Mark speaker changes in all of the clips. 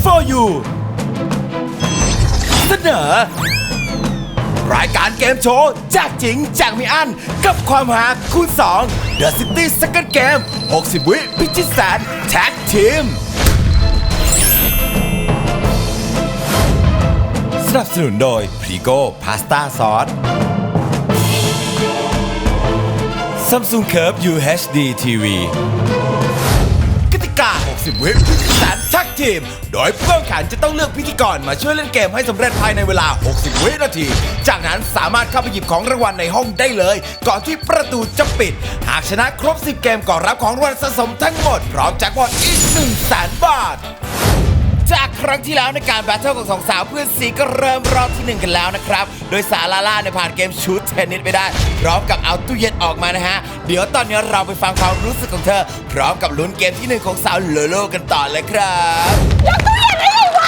Speaker 1: for you เสนอรายการเกมโชว์แจกจริงแจกไม่อั้นกับความหาคูณ2 The City Second Game 60 วิพิชิตแสนแท็กทีมสนับสนุนโดยพรีโก้พาสต้าซอส Samsung Curve UHD TV กติกา 60 วิพิธีแสนแท็กทีมโดยผู้แข่งขันจะต้องเลือกพิธีกรมาช่วยเล่นเกมให้สำเร็จภายในเวลา 60 วินาที จากนั้นสามารถเข้าไปหยิบของรางวัลในห้องได้เลย ก่อนที่ประตูจะปิด หากชนะครบ 10 เกมก็รับของรางวัลสะสมทั้งหมดพร้อมแจ็คพอตอีก 100,000 บาท จากครั้งที่แล้วในการแบทเทิลของสองสาวเพื่อนสีก็เริ่มรอบที่ 1 กันแล้วนะครับ โดยสาวลาล่าเนี่ยผ่านเกมชูตเทนนิสไปได้ พร้อมกับเอาตู้เย็นออกมานะฮะ เดี๋ยวตอนนี้เราไปฟังความรู้สึกของเธอ พร้อมกับลุ้นเกมที่ 1 ของสาวโลโลกันต่อเลยครับ
Speaker 2: ยกตู้เย็นได้ไงวะ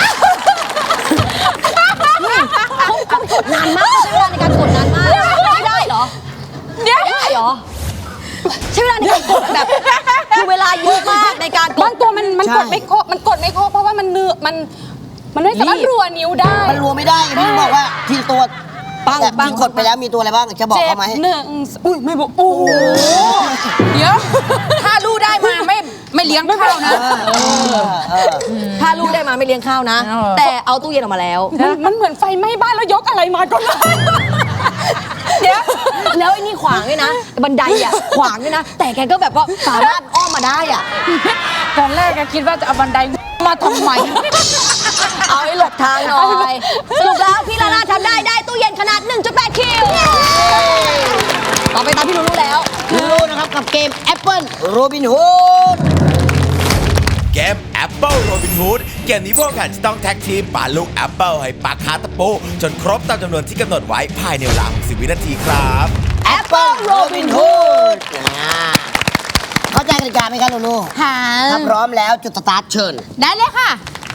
Speaker 2: เขากดนานมากใช้เวลาในการกดนานมากไม่ได้เหรอได้เหรอใช้เวลาในการกดแบบคือเวลาเยอะมากในการกด
Speaker 3: บางตัวมันกดไม่ครบเพราะว่ามันไม่สามารถรัวนิ้วได้
Speaker 4: มันรัวไม่ได้พี่บอกว่าทีตัวที่กดไปแล้วมีตัวอะไรบ้างจะบอกเขาไหม
Speaker 3: อุ้ยไม่บอกโอ้โหเดี๋ยวถ้าลู่ได้มาไม่เลี้ยงข้าวนะ
Speaker 2: ถ้าลูกได้มาไม่เลี้ยงข้าวนะ แต่เอาตู้เย็นออกมาแล้ว
Speaker 3: มันเหมือนไฟไหม้บ้านแล้วยกอะไรมาก็ได้
Speaker 2: เดี๋ยวแล้วไอ้นี่ขวางด้วยนะบันไดอ่ะขวางด้วยนะแต่แกก็แบบว่าสามารถอ้อมมาได้อ่ะ
Speaker 3: ตอนแรกคิดว่าจะเอาบันไดมาทำไม
Speaker 2: เอาให้หลบทางหน่อยสรุปแล้วพี่ลาล่าทำได้ตู้เย็นขนาด 1.8 คิวต่อไปตามพี่ลูลูแล้ว
Speaker 4: ลูนะครับกับเกม Apple Robin Hood
Speaker 1: เกม Apple Robin Hood เกมนี้พวกแข่งจะต้องแท็กทีมปาลูก Apple ให้ปักคาตะปูจนครบตามจำนวนที่กำหนดไว้ภายในเวลา 60 วินาทีครับ
Speaker 4: Apple Robin Hood เข้าใจกติกาไหมครับลูลู
Speaker 3: ค่ะ
Speaker 4: ถ้าพร้อมแล้วจุดสตาร์ทเชิญ
Speaker 3: ได้เลยค่ะ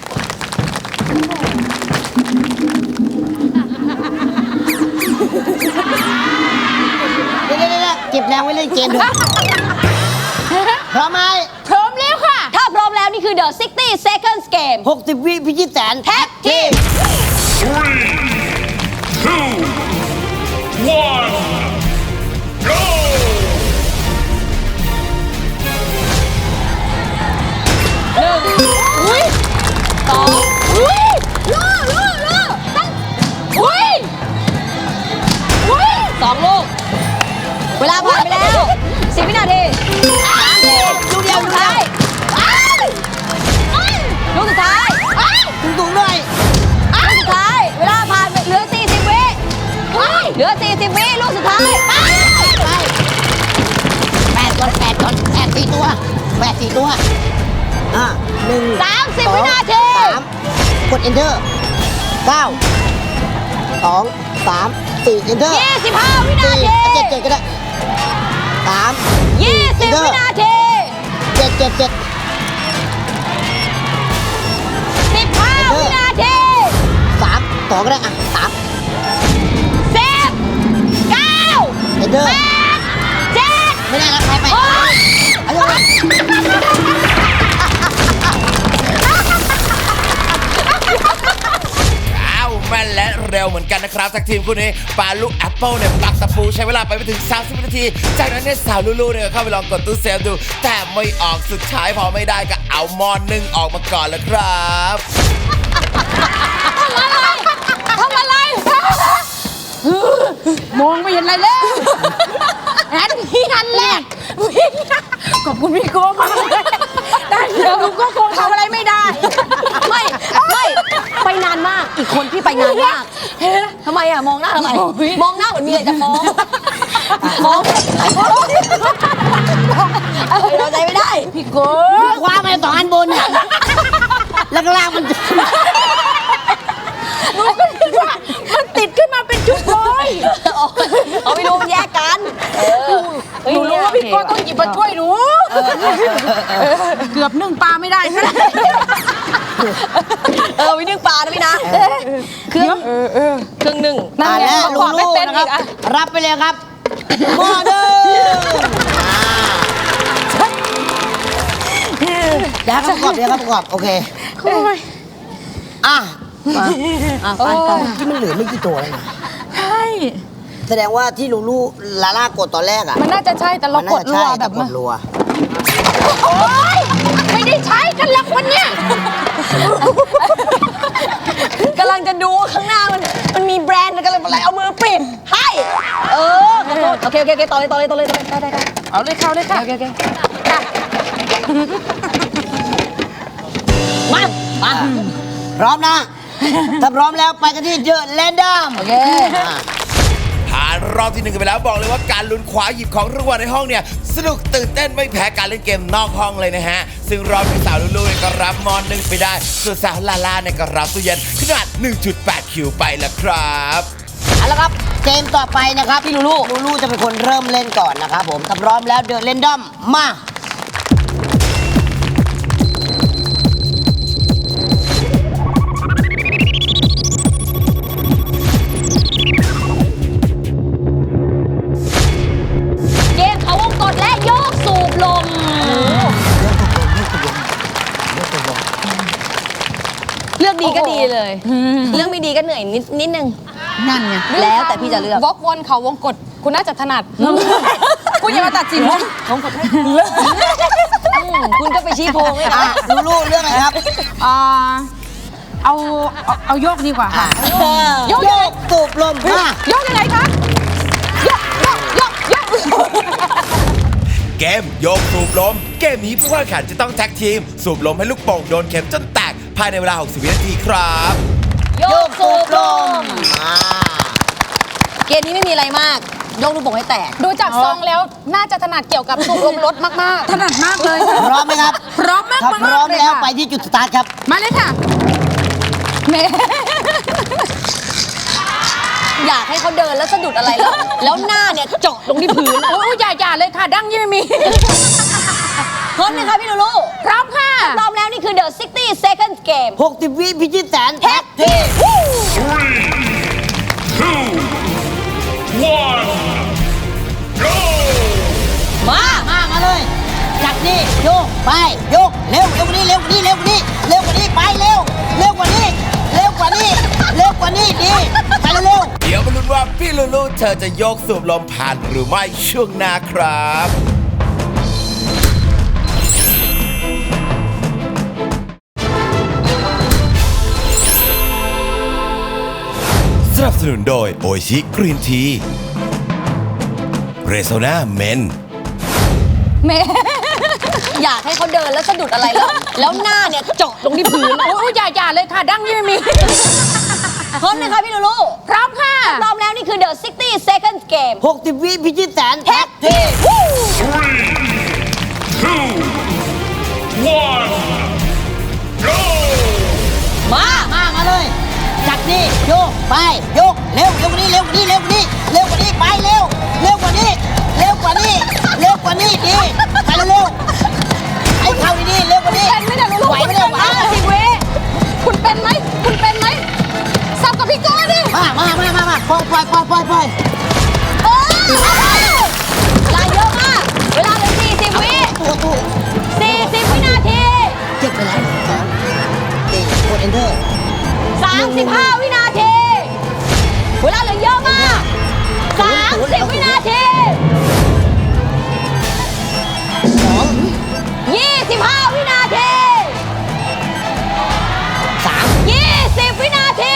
Speaker 4: เดี๋ยวเก็บแรงไว้เล่นเกมด้วยพร้อมไหม
Speaker 3: พร้อมแล้วค่ะ
Speaker 2: ถ้าพร้อมแล้วนี่คือ The 60 Seconds Game
Speaker 4: 60 วิพิชิตแสน
Speaker 2: แท็กทีม
Speaker 5: 3, 2, 1 go
Speaker 3: อุ้ย2อุ้ยลูตั้งอุ้ย
Speaker 2: 2 ลูกเวลาผ่านไปแล้ว10 วินาที
Speaker 4: ลูกเดียว
Speaker 2: สุดท้ายลูกสุดท้าย
Speaker 4: สูงๆหน่อย
Speaker 2: ลูกสุดท้ายเวลาผ่านไปเหลือ40 วิเหลือ40 วิลูกสุดท้าย
Speaker 4: 8 4 ตัว30
Speaker 2: วินาที
Speaker 4: กด enter 9 2 3 4 enter
Speaker 2: 25 วินาที
Speaker 4: 7 ก็ได้3
Speaker 2: 20 วินาที
Speaker 4: 7
Speaker 2: 15 วินาที
Speaker 4: 3 2ก็ได้อ่ะ3
Speaker 2: 10 9
Speaker 4: enter
Speaker 2: 8 7
Speaker 4: ไม่ได้แล้วไป
Speaker 1: แม่นและเร็วเหมือนกันนะครับจากทีมคู่นี้ปาลูก Apple เนี่ยปักตะปูใช้เวลาไปไม่ถึง30 วินาทีจากนั้นเนี่ยสาวลูลูเนี่ยเข้าไปลองกดตู้เซฟดูแต่ไม่ออกสุดท้ายพอไม่ได้ก็เอาหม้อนนึ่งออกมาก่อนแล้วครับ
Speaker 3: ทำอะไรมองไม่เห็นอะไรแล้วอันแรกขอบคุณพี่โก้มากเลยได้เดี๋ยวก็คงทำอะไรไม่ได้
Speaker 2: ไม่ไปนานมากอีกคนที่ไปนานมากทำไมอ่ะมองหน้าทำไมมองหน้าเหมือนมีอะไรจะฟ้องเราใจไม่ได้
Speaker 3: พี่โก้
Speaker 4: คว้ามา2 อันบนเนี่ยแล้วก็ล่างมัน
Speaker 3: หนูก็คิดว่ามันติดขึ้นมาเป็นชุดเลย
Speaker 2: เอาไม่รู้แยกกัน
Speaker 3: หนูรู้ว่าพี่โก้ต้องหยิบมาช่วยหนูเกือบนึ่งปลาไม่ได้ใช่ไหม
Speaker 2: วินึ่งปลานะพี่นะเครื่องนึ่ง
Speaker 4: แล้วลูลูนะครับรับไปเลยครับหม้อเดิมเดี๋ยวครับประกอบโอเคอ่ะมา
Speaker 2: ไปไป
Speaker 4: ที่มันเหลือไม่กี่ตัวแล้วนะ
Speaker 3: ใช่
Speaker 4: แสดงว่าที่ลูลาล่ากดตอนแรกอ่ะ
Speaker 3: มันน่าจะใช่แต่เรากดรัวแบบ
Speaker 4: กดรัว
Speaker 3: โอ๊ยไม่ได้ใช้กันหรอกวันเนี้ย
Speaker 2: กำลังจะดูข้างหน้ามันมีแบรนด์กันเลยอะไรเอามือปิดให้ขอโทษโอเคต่อเลยได้
Speaker 3: เอาเลยเข้าเลยค่ะ
Speaker 2: โอเคมา
Speaker 4: พร้อมนะ ถ้าพร้อมแล้วไปกันที่เดอะแรนดอม
Speaker 2: โอเค
Speaker 1: ผ่านรอบที่ 1กันไปแล้วบอกเลยว่าการลุ้นคว้าหยิบของรางวัลในห้องเนี่ยสนุกตื่นเต้นไม่แพ้การเล่นเกมนอกห้องเลยนะฮะ ซึ่งรอบที่สาวลูลูเนี่ยก็รับมอน1ไปได้ ส่วนสาวลาล่าเนี่ยก็รับตู้เย็นขนาด 1.8 คิวไปแล้วครับ
Speaker 4: เอาละครับเกมต่อไปนะครับพี่ลูลูจะเป็นคนเริ่มเล่นก่อนนะครับผมถ้าพร้อมแล้วเดอะแรนดอมมา
Speaker 2: เกมเขาวงกดและโยกสูบลมเลือกดีก็ดีเลย เลือกไม่ดีก็เหนื่อยนิดนึง
Speaker 3: นั่นไง
Speaker 2: แล้วแต่พี่จะเลือก
Speaker 3: วกวนเขาวงกดคุณน่าจะถนัดคุณอย่ามาตัดสินนะ
Speaker 2: คุณก็ไปชี้โพงเลย
Speaker 4: อ่ะ
Speaker 2: นะ
Speaker 4: ลูเรื่องอะไรครับ
Speaker 3: เอาโยกดีกว่าค่ะ
Speaker 4: โยกสูบลมมา
Speaker 3: โยกยังไงคะโยก
Speaker 1: เกมโยกสูบลม เกมนี้ผู้แข่งขันจะต้องแท็กทีม สูบลมให้ลูกโป่งโดนเข็มจนแตกภายในเวลา 60 วินาทีครับ
Speaker 2: โยกสูบลม
Speaker 4: อ่า
Speaker 2: เกมนี้ไม่มีอะไรมากโยกลูกโป่งให้แตก
Speaker 3: ดูจากทรงแล้วน่าจะถนัดเกี่ยวกับสูบลมรถมากๆถนัดมากเลยค่ะ
Speaker 4: พร้อมไหมครับ
Speaker 3: พร้อมมาก
Speaker 4: ถ้าพร้อม
Speaker 3: เลย
Speaker 4: แล้ว
Speaker 3: ค่ะ
Speaker 4: ไปที่จุดสตาร์ทครับ
Speaker 3: มาเลยค่ะเม
Speaker 2: อยากให้เขาเดินแล้วสะดุดอะไรแล้วหน้าเนี่ยเจาะลงที่พื้นอะ
Speaker 3: โอ้ยอย่าเลยค่ะ ดั้งยี่ไม่มี
Speaker 2: พร้อมไหมคะพี่ลูลู
Speaker 3: พร้อมค่ะ
Speaker 2: พร้อมแล้วนี่คือ The 60 Second Game
Speaker 4: 60 วิพิชิตแสนแท็กทีม
Speaker 5: 3, 2, 1, go!
Speaker 4: มาเลย จากนี่โยกไปโยกเร็วกว่านี้เร็วกว่านี้เร็วกว่านี้เร็วกว่านี้ไปเร็วกว่านี้เร็วกว่านี้ดีไปเร็ว
Speaker 1: เดี๋ยวมาลุ้นว่าพี่ลูลูเธอจะโยกสูบลมผ่านหรือไม่ช่วงหน้าครับสนับสนุนโดยโอชิกรีนทีเรโซนาเมน
Speaker 2: อยากให้เขาเดินแล้วสะดุดอะไรแล้วหน้าเนี่ยเจาะลงที่พื้นอะ
Speaker 3: โอ้ยอย่าเลยค่ะ ดั้งยี่ไม่มี
Speaker 2: พร้อมไหมคะพี่ลูลู
Speaker 3: พร้อมค่ะ
Speaker 2: พร้อมแล้วนี่คือ The 60 Second Game
Speaker 4: 60 วิพิชิตแสนแท็กทีม
Speaker 5: 3, 2, 1, go!
Speaker 4: มาเลย จากนี่โยกไปโยกเร็วกว่านี้เร็วกว่านี้ไปเร็วกว่านี้ดีไปเร็วไอ้เข้าดีๆเร็วกว่านี้
Speaker 3: เป็นไหมเนี่ยลูลู
Speaker 4: ไหวไหมเนี่ยไหวไหม
Speaker 3: สิเวคุณเป็นไหมสับกับพี่โก้ดิ
Speaker 4: มาปล่อย
Speaker 2: เวลาเยอะมาก เวลาเหลือ40 วิ
Speaker 4: ตู้
Speaker 2: 40 วินาที
Speaker 4: เจ็บไปแล้วตีกด enter
Speaker 2: 35 วินาที เวลาเหลือเยอะมาก 30 วินาที 25 วินาที 20 วินาที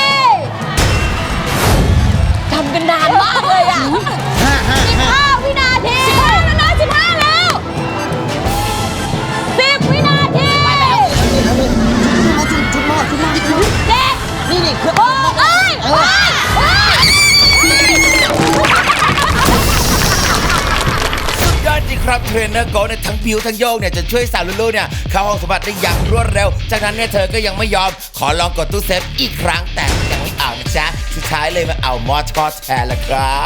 Speaker 2: ทำกันนานมากเลยอ่ะ 15 วินาที15แล้วนะ15แล้ว10 วินาที
Speaker 4: ชุดหม้อ
Speaker 2: 7
Speaker 4: นี่เครื่อง
Speaker 2: 6เอ้ยเอ้ยเอ้ย
Speaker 1: สุดยอดจริงครับเทรนเนอร์โกเนี่ยทั้งบิวทั้งโยกเนี่ยจะช่วยสาวลูลูเนี่ยเข้าห้องสมบัติได้อย่างรวดเร็ว จากนั้นเนี่ยเธอก็ยังไม่ยอมขอลองกดตู้เซฟอีกครั้งแต่ยังไม่เอานะจ๊ะสุดท้ายเลยมาเอาหมอทอดแทนละครับ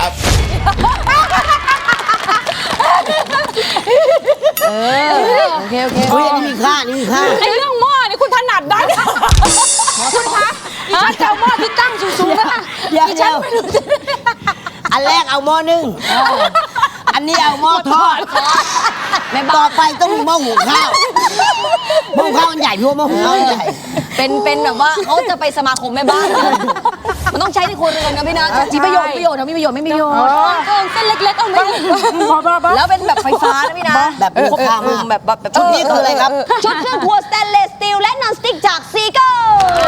Speaker 2: โอเค
Speaker 4: เฮ้ยนี่มีค่า
Speaker 3: ไอ้เรื่องหม้อนี่คุณถนัดได้คุณคะฉันจะเอาหม้อที่ตั้งสูงๆนะคะ
Speaker 4: เดี๋ยว
Speaker 3: ดิฉันไม่รู้จะ
Speaker 4: อันแรกเอาหม้อนึ่งอันนี้เอาหม้อทอดต่อไปต้องมีหม้อหุงข้าวหม้อหุงข้าวมันใหญ่พี่ว่าหม้อหุงข้าวมันใหญ่
Speaker 2: เป็นแบบว่าเขาจะไปสมาคมแม่บ้านมันต้องใช้ในครัวเรือนนะพี่นะมีประโยชน์ไม่มีประโยชน์ไม่มีประโยชน์เส้นเล็กๆเอาไม่แล้วเป็นแบบไฟฟ้านะพี่นะ
Speaker 4: แบบครบครัน
Speaker 2: แบบ
Speaker 4: ชุดนี้คืออะไรครับ
Speaker 2: ชุดเครื่องครัวสแตนเลสสตีลและนอนสติ๊กจากซีเกิล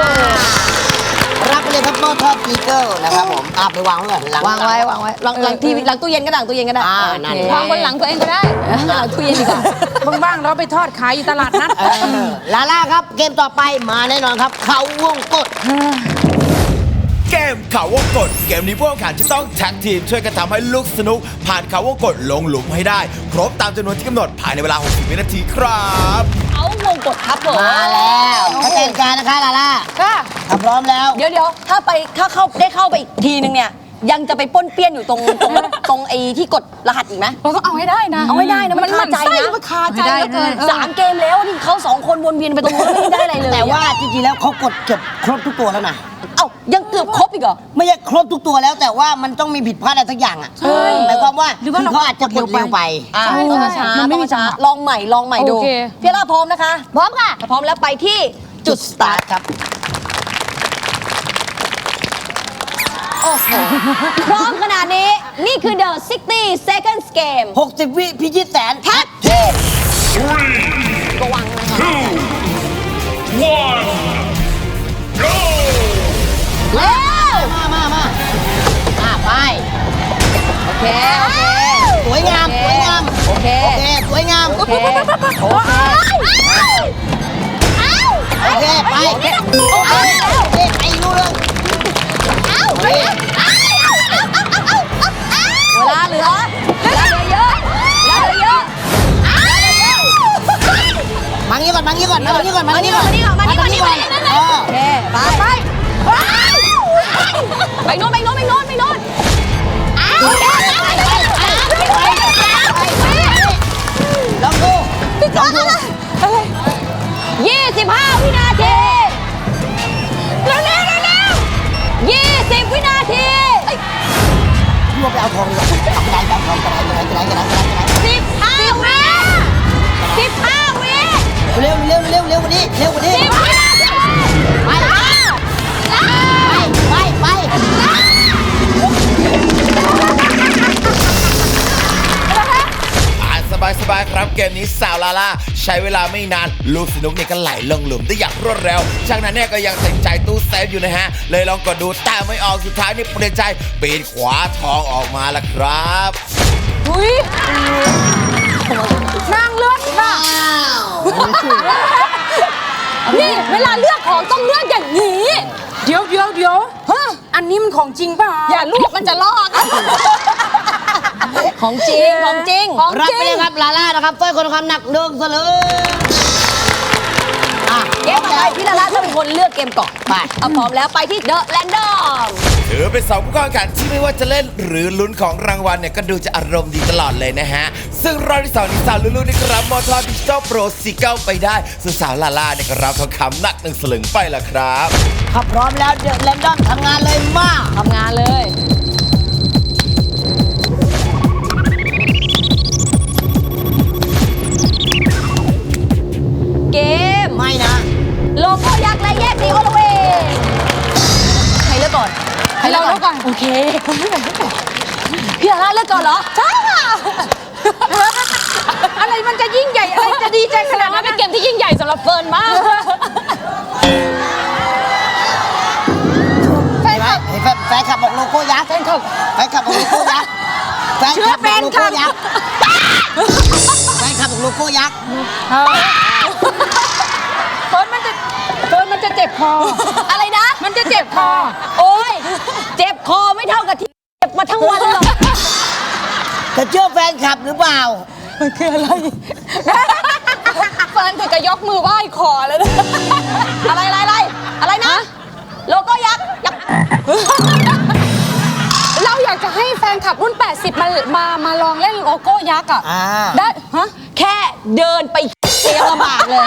Speaker 4: รับไปเลยครับหม้อทอดซีเกิลนะครับผมไปวางไว้ก่อนหลัง
Speaker 2: วางไว้หลังทีวีหลังตู้เย็นก็ได้ตู้เย็นก็ได้
Speaker 4: นั่น
Speaker 3: วางบนหลังตัวเองก็ได้
Speaker 2: หลังตู้เย็นดีกว่า
Speaker 3: บ้างๆเราไปทอดขายอยู่ตลาดนัด
Speaker 4: ลาล่าครับเกมต่อไปมาแน่นอนครับเขาวงกด
Speaker 1: เกมเขาวงกตเกมนี้พวกแข่งขันจะต้องแท็กทีมช่วยกันทำให้ลูกสนุกผ่านเขาวงกตลงหลุมให้ได้ ครบตามจำนวนที่กำหนดภายในเวลา 60 วินาทีครับ
Speaker 2: เอาวงกดครับผม
Speaker 4: มาแล้วถ้าแต่งการนะคะลาล่า
Speaker 3: ค่ะ
Speaker 4: ถ้าพร้อมแล้ว
Speaker 2: เดี๋ยวถ้าเข้าไปอีกทีนึงเนี่ยยังจะไปป้นเปี้ยนอยู่ตรงไอ้ที่กดรหัสอีกไหม
Speaker 3: เราต้องเอาให้ได้นะ
Speaker 2: เอาให้ได้นะมันคาใจนะ
Speaker 3: มันคาใจเหลือเกิน
Speaker 2: สามเกมแล้วที่เขา2 คนวนเวียนไปตรงนู้นไม่ได้อะไรเลย
Speaker 4: แต่ว่าจริงๆแล้วเขากดเกือบครบทุกตัวแล้วนะ
Speaker 2: เอ้ายังเกือบครบอีกเหรอ
Speaker 4: ไม่ใช่ครบทุกตัวแล้วแต่ว่ามันต้องมีผิดพลาดอะไรสักอย่างอ่ะหมายความว่า
Speaker 3: หรือว่าเรา
Speaker 4: เขาอาจจะกดเร็วไป
Speaker 2: ใช่
Speaker 3: ใช่
Speaker 2: ช้า
Speaker 3: มันไม่มี
Speaker 2: ช้า
Speaker 3: จังหวะ
Speaker 2: ลองใหม่ดู
Speaker 3: โอเค
Speaker 2: พี่ล่าพร้อมนะคะ พร้อมค่ะพร้อมแล้วไปที่
Speaker 4: จุดสตาร์ทครับ
Speaker 2: โอ้โหพร้อมขนาดนี้นี่คือ The 60 Seconds Game
Speaker 4: 60 วิพิชิตแสน
Speaker 2: แท็ก
Speaker 5: 3,
Speaker 2: ระวังนะคะ
Speaker 5: 2, 1, go!
Speaker 2: เร็ว
Speaker 4: มาไป
Speaker 2: โอเค
Speaker 4: สวยงามสวยงาม
Speaker 2: โอเค
Speaker 4: โอเคสวยงาม
Speaker 2: โอเค
Speaker 4: โอเคไปโอเคไปรู้เรื่อง
Speaker 2: เวลาเหลือเยอะ
Speaker 4: มางี้ก่อน
Speaker 2: มานี่ก่อนโอเคไปโน่น
Speaker 4: แล้วดู
Speaker 2: พี่ก้องอะไร25 วินาทีเร็ว20 วินาที
Speaker 4: รวบไปเอาทองดีกว่าเอากระดาษเอาทองกระดาษ
Speaker 2: 15 วิ
Speaker 4: เร็วกว่านี้
Speaker 2: 10 วินาที
Speaker 4: ไป
Speaker 1: ผ่านสบายๆครับเกมนี้สาวลาล่าใช้เวลาไม่นานลูกสนุกเนี่ยก็ไหลลงหลุมได้อย่างรวดเร็วจากนั้นเนี่ยก็ยังใส่ใจตู้เซฟอยู่นะฮะเลยลองกดดูแต่ไม่ออกสุดท้ายนี่เปลี่ยนใจปีนขวาทองออกมาละครับ
Speaker 3: อุ้ยนางเลือกค่ะนี่เวลาเลือกของต้องเลือกอย่างนี้ เดี๋ยวอันนี้มันของจริงป่ะอย่าลูกมันจะลอก
Speaker 2: ของจริง
Speaker 4: รับไปเลยครับลาล่านะครับสร้อยคอทองคำหนัก1 สลึง
Speaker 2: เกมต่อไปพี่ลาล่าจะเป็นคนเลือกเกมก่อนไปเอาพร้อมแล้วไปที่ The Random
Speaker 1: ถือเป็น2ผู้เข้าแข่งขันที่ไม่ว่าจะเล่นหรือลุ้นของรางวัลเนี่ยก็ดูจะอารมณ์ดีตลอดเลยนะฮะซึ่งรอบที่2นี้สาวลูลูนี่ก็รับมอเตอร์ดิจิตอลโปรซีเกิลไปได้ส่วนสาวลาล่าเนี่ยก็รับทองคำหนัก1 สลึงไปละครับ
Speaker 4: ถ้าพร้อมแล้วเดอะแรนดอมทำงานเลยมา
Speaker 2: ทำงานเลย เกม
Speaker 4: ไม่นะ
Speaker 2: โลโก้ยักษ์และแยกสีโอลเวงใครเลือกก่อน
Speaker 3: ให้เราเลือกก่อน
Speaker 2: โอเค พี่ลาล่าเลือกก่อนเหรอ ใช่ค่ะ
Speaker 3: อะไรมันจะยิ่งใหญ่อะไรจะดีใจขนาดนั้น
Speaker 2: เป็นเกมที่ยิ่งใหญ่สำหรับเฟิร์นมาก
Speaker 4: แฟนคลับบอกโลโก้ยักษ์แฟนคลับบอกโลโก้ยักษ์แฟนคลับบอกโลโก้ยักษ์แฟนคลับบอกโลโก้ยักษ์
Speaker 3: เฟิร์นมันจะเจ็บคอ
Speaker 2: อะไรนะ
Speaker 3: มันจะเจ็บคอ
Speaker 2: โอ้ย เจ็บคอไม่เท่ากับที่เจ็บมาทั้งวันหรอก
Speaker 4: จะเชื่อแฟนคลับหรือเปล่า
Speaker 3: เฟิร์นถึงจะยกมือไหว้คอแล้วนะ
Speaker 2: อะไรนะ โลโก้ยักษ์
Speaker 3: เราอยากจะให้แฟนคลับรุ่น 80 มาลองเล่นโลโก้ยักษ์อ่ะ ได้ ฮะ
Speaker 2: แค่เดินไปเสียลำบากเลย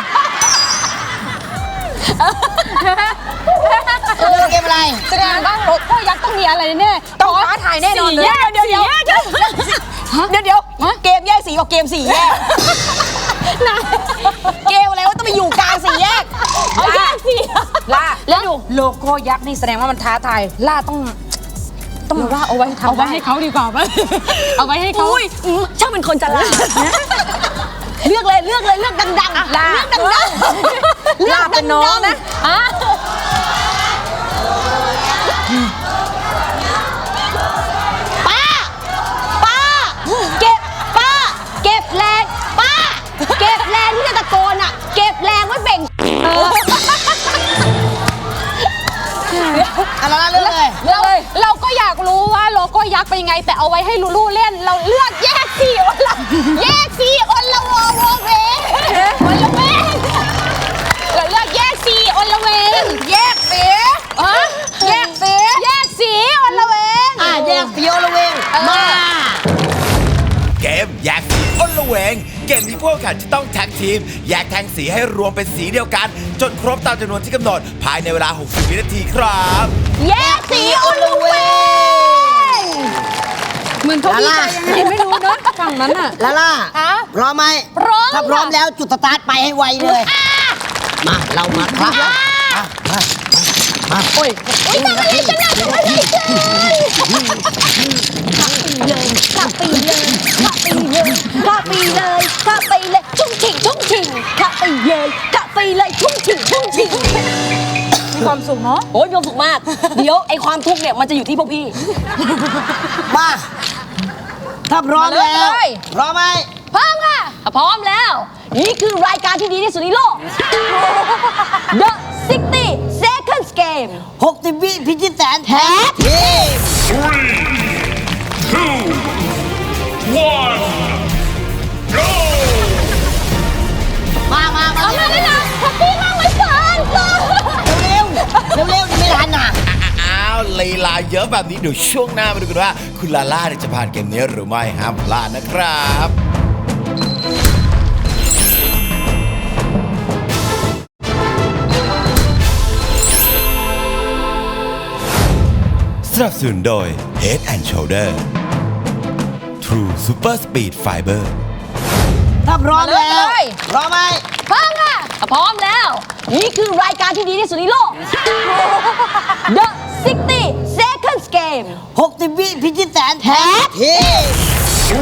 Speaker 4: เกมอะไร
Speaker 3: แสดงว่าโลโก้ยักษ์ต้องมีอะไรแน่ต้องท้าทายแน่นอนเลย
Speaker 2: เดี๋ยวเกมแยกสีกับเกมสี่แยกเกมอะไรว่าต้องไปอยู่กลางสี่แยกเอาแยกสี
Speaker 3: แล้วโลโก้ยักษ์นี่แสดงว่ามันท้าทายล่าต้องว่าเอาไว้ให้เขาดีกว่าไหมเอาไว้ให้เขา
Speaker 2: อุ้ยช่างเป็นคนฉลาดนะเลือกเลยเลือกดังๆ
Speaker 3: ล่า
Speaker 2: เลือกดังๆ
Speaker 3: ล่าเป็นน้องนะ
Speaker 2: อ่ะป้าเก็บแรงป้าเก็บแรงที่จะตะโกนอ่ะเก็บแรงไว้เบ่ง
Speaker 4: อะไรนะเรื่องเลย
Speaker 3: เราก็อยากรู้ว่าโลโก้ยักษ์เป็นยังไง แต่เอาไว้ให้ลูลูเล่นเราเลือกแยกสีอนละวงเวงอนละเวงเราเลือกแยกสีอนละเวงแยกสีแยกสีอนละเวง
Speaker 4: แยกสีโอละเวงมา
Speaker 1: เกมแยกสีอ้นละเวง เกมนี้พวกแข่งจะต้องแท็กทีม แยกแทงสีให้รวมเป็นสีเดียวกัน จนครบตามจำนวนที่กำหนด ภายในเวลา 60 วินาทีครับ
Speaker 2: แยกสีอนละเวง
Speaker 3: เหมือนเขาดีใจยังไงไม่รู้นะฝั่งนั้นอ่ะ
Speaker 4: ลาล่า
Speaker 3: ฮะ
Speaker 4: พร้อมไหม
Speaker 3: พร้อม
Speaker 4: ถ้าพร้อม
Speaker 3: ค่ะ
Speaker 4: แล้วจุดสตาร์ทไปให้ไวเลย มาเรามาครับมาโอ้ย
Speaker 2: กลับปีเลยชุ่มฉิ่งกลับไปเลยชุ่มฉิ่ง
Speaker 3: มีความสุขเนาะ
Speaker 2: โอ้ยมีความสุขมาก เดี๋ยวไอความทุกข์เนี่ยมันจะอยู่ที่พวกพี่
Speaker 4: มาถ้าพร้อมแล้ว
Speaker 3: มาเลย
Speaker 4: พร้อมไหม
Speaker 2: พร้อมค่ะพร้อมแล้ว นี่คือรายการที่ดีที่สุดในโลก The 60 Seconds Game
Speaker 4: 60 วิพิชิตแสนแท้
Speaker 5: 3, 2, 1, go!
Speaker 4: มา
Speaker 2: เอามาเลยนะแฮปปี้มากไหมเฟิร์น
Speaker 4: เร็วนี่ไม่ทันน่ะ
Speaker 1: อ้าวลีลาเยอะแบบนี้เดี๋ยวช่วงหน้ามาดูกันว่า คุณลาล่าเนี่ยจะผ่านเกมนี้หรือไม่ห้ามพลาดนะครับ สนับสนุนโดย Head and Shoulder True Super Speed Fiber
Speaker 4: ถ้าพร้อมแล้ว
Speaker 3: มาเลย
Speaker 4: พร้อมไหม
Speaker 2: พร้อมค่ะพร้อมแล้ว นี่คือรายการที่ดีที่สุดในโลก The 60 Seconds Game
Speaker 4: 60 วิพิชิตแสนแท้
Speaker 5: 3, 2,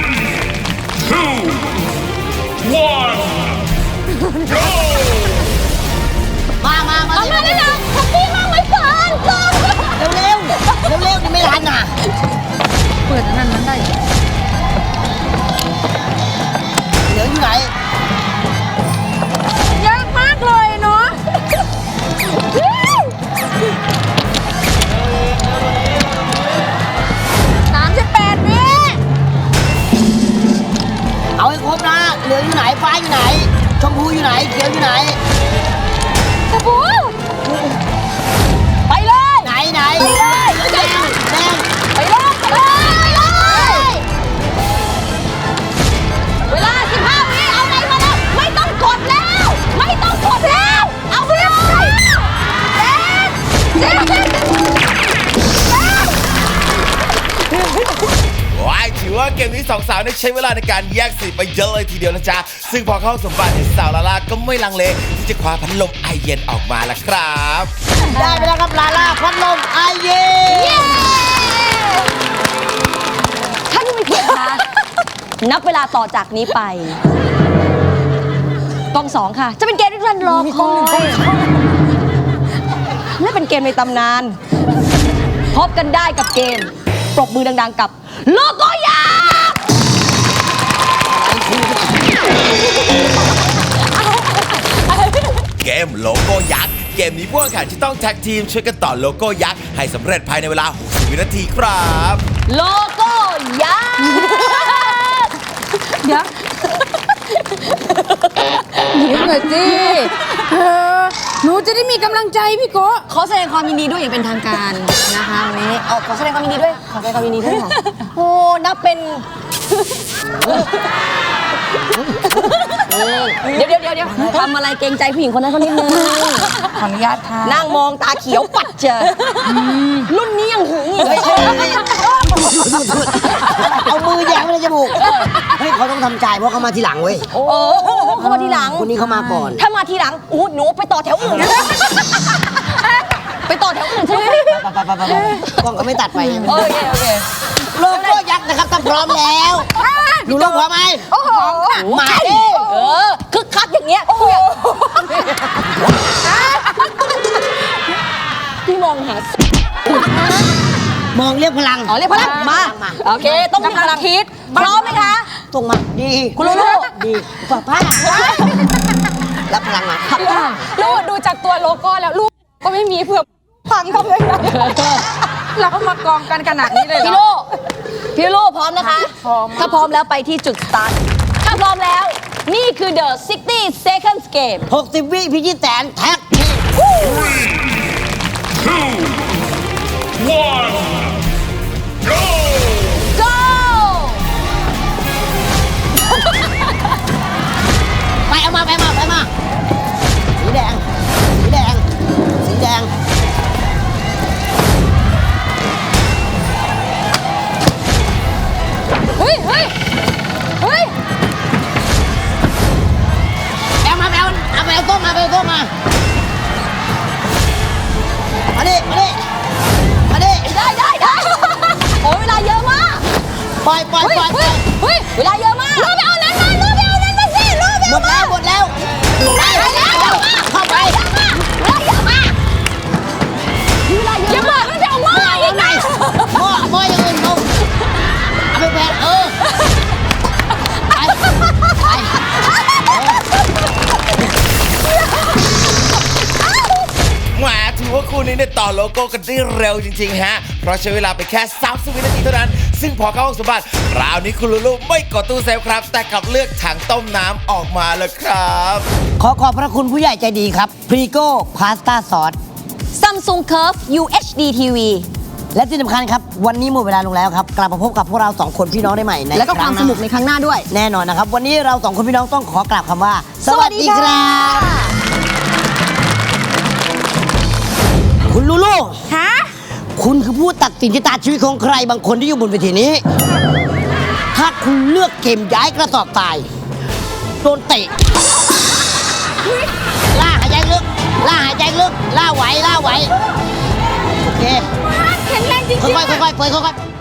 Speaker 5: 1, go!
Speaker 4: มา
Speaker 2: เอามาเลยนะแฮปปี้มากไหมเฟิร์น
Speaker 4: เร็วนี่ไม่ทันน่ะ
Speaker 3: เปิดอันนั้นได้
Speaker 4: เหลืออยู่ไหน
Speaker 3: ยากมากเลยเนาะ38 วิ
Speaker 4: เอาให้ครบนะ เหลืออยู่ไหน ฟ้าอยู่ไหน ชมพูอยู่ไหน เขียวอยู่ไหน
Speaker 2: กระปูไปเลย
Speaker 4: ไหน
Speaker 2: ไปเลย
Speaker 4: แดง
Speaker 2: ไปเลยเวลา 15 วิเอาไหนมาแล้วไม่ต้องกดแล้ว เอาไปเลยเจ็ด
Speaker 1: ว้ายถือว่าเกมนี้สองสาวได้ใช้เวลาในการแยกสีไปเยอะเลยทีเดียวนะจ๊ะ ซึ่งพอเข้าสมบัติสาวลาลาก็ไม่ลังเลที่จะคว้าพัดลมไอเย็นออกมาละครับ
Speaker 4: ได้ไปแล้วครับลาล่าพัดลมไอเย็น
Speaker 2: ท่านผู้มีเกียรติคะนับเวลาต่อจากนี้ไปกอง2ค่ะ จะเป็นเกมที่ท่านรอคอยและเป็นเกมในตำนาน พบกันได้กับเกมปรบมือดังๆกับโลโก้ยักษ์
Speaker 1: เกมโลโก้ยักษ์ เกมนี้พวกแข่งจะต้องแท็กทีมช่วยกันต่อโลโก้ยักษ์ให้สำเร็จภายในเวลา 60 วินาทีครับ
Speaker 2: โลโก้ยักษ์
Speaker 3: เดี๋ยวยิ้มหน่อยสิหนูจะได้มีกำลังใจพี่โกะ
Speaker 2: ขอแสดงความยินดีด้วยอย่างเป็นทางการนะคะวันนี้เอาขอแสดงความยินดีด้วยค่ะโอ้นับเป็นเดี๋ยวทำอะไรเกรงใจผู้หญิงคนนั้นเขานิดนึง
Speaker 3: ขออนุญาตค่ะ
Speaker 2: นั่งมองตาเขียวปัดเจอรุ่นนี้ยังหึงอีกเลย
Speaker 4: เอามือแยงไปในจมูก เฮ้ยเขาต้องทำใจเพราะเขามาทีหลังเว้ย
Speaker 2: โอ้เขามาทีหลัง
Speaker 4: คนนี้เขามาก่อน
Speaker 2: ถ้ามาทีหลังหนูไปต่อแถวอื่น
Speaker 4: กล้องก็ไม่ตัดไป
Speaker 2: โอเคโอเค
Speaker 4: โลโก้ยักษ์นะครับถ้าพร้อมแล้วดูโลกพร้อมไหม
Speaker 2: โอ้โห
Speaker 4: มาดิ
Speaker 2: คึกคักอย่างเงี้ยพี่มองหาม
Speaker 4: องเรียกพลัง
Speaker 2: อ๋อเรียกพลังมาโอเคต้องมีพลังคิดพร้อมไหมคะ
Speaker 4: ตรงมาดี
Speaker 2: คุณลูลู
Speaker 4: ดีป้ารับพลังมา
Speaker 3: ลูกดูจากตัวโลโก้แล้วลูกก็ไม่มีเผื่อพังทำเลยนะ
Speaker 6: เราก็มากองกันขนาดนี้เลยเหร
Speaker 2: พี่
Speaker 6: อ
Speaker 2: ลูพี่ลูพร้อมนะคะ ถ้าพร้อมแล้วไปที่จุดสตาร์ทถ้าพร้อมแล้วนี่คือ The 60 Seconds Game
Speaker 4: 60 วิพิชิตแสนแท็กทีม
Speaker 5: 2, 1, go!
Speaker 2: Go
Speaker 4: ไปเอามาสีแดงสีแดง
Speaker 3: เฮ้ยเฮ้ยเฮ้ย
Speaker 4: เอาต้มมา
Speaker 2: ได้โอ้เวลาเยอะมาก
Speaker 4: ปล่อย
Speaker 2: เฮ้ยเวลาเยอะมาก
Speaker 3: ลูกไปเอานั้นมาลูกไปเอานั้นมาสิลูกไป
Speaker 4: หมดแล้วเข้าไป
Speaker 2: เวลาเยอะมาก
Speaker 3: อย่าบอกว่าจะเอาหม้ออีกนะ
Speaker 4: หม้ออย่างอื่นลงเอาไปแบนไป
Speaker 1: แหมถือว่าคู่นี้เนี่ยต่อโลโก้กันได้เร็วจริงๆฮะ เพราะใช้เวลาไปแค่30 วินาทีเท่านั้น ซึ่งพอเข้าห้องสมบัติคราวนี้คุณลูลูไม่กดตู้เซฟครับ แต่กลับเลือกถังต้มน้ำออกมาเลยครับ
Speaker 4: ขอขอบพระคุณผู้ใหญ่ใจดีครับพรีโก้พาสต้าซอส
Speaker 2: Samsung Curve UHD TV
Speaker 4: และที่สำคัญครับ วันนี้หมดเวลาลงแล้วครับ กลับมาพบกับพวกเรา2คนพี่น้องได้ใหม่ใน
Speaker 2: แล้วก็ความสนุกในครั้งหน้าด้วย
Speaker 4: แน่นอนนะครับ วันนี้เรา2คนพี่น้องต้องขอกราบคำว่า สวัสดีครับ คุณลูลู
Speaker 6: ฮะ
Speaker 4: คุณคือผู้ตัดสินชะตาชีวิตของใครบางคนที่อยู่บนเวทีนี้ ถ้าคุณเลือกเกมย้ายกระสอบทรายโดนเตะล่าหายใจลึกล่าไหวโอเค
Speaker 3: แข็งแรงจริงๆ
Speaker 4: ค่อยๆเปิดค่อยๆ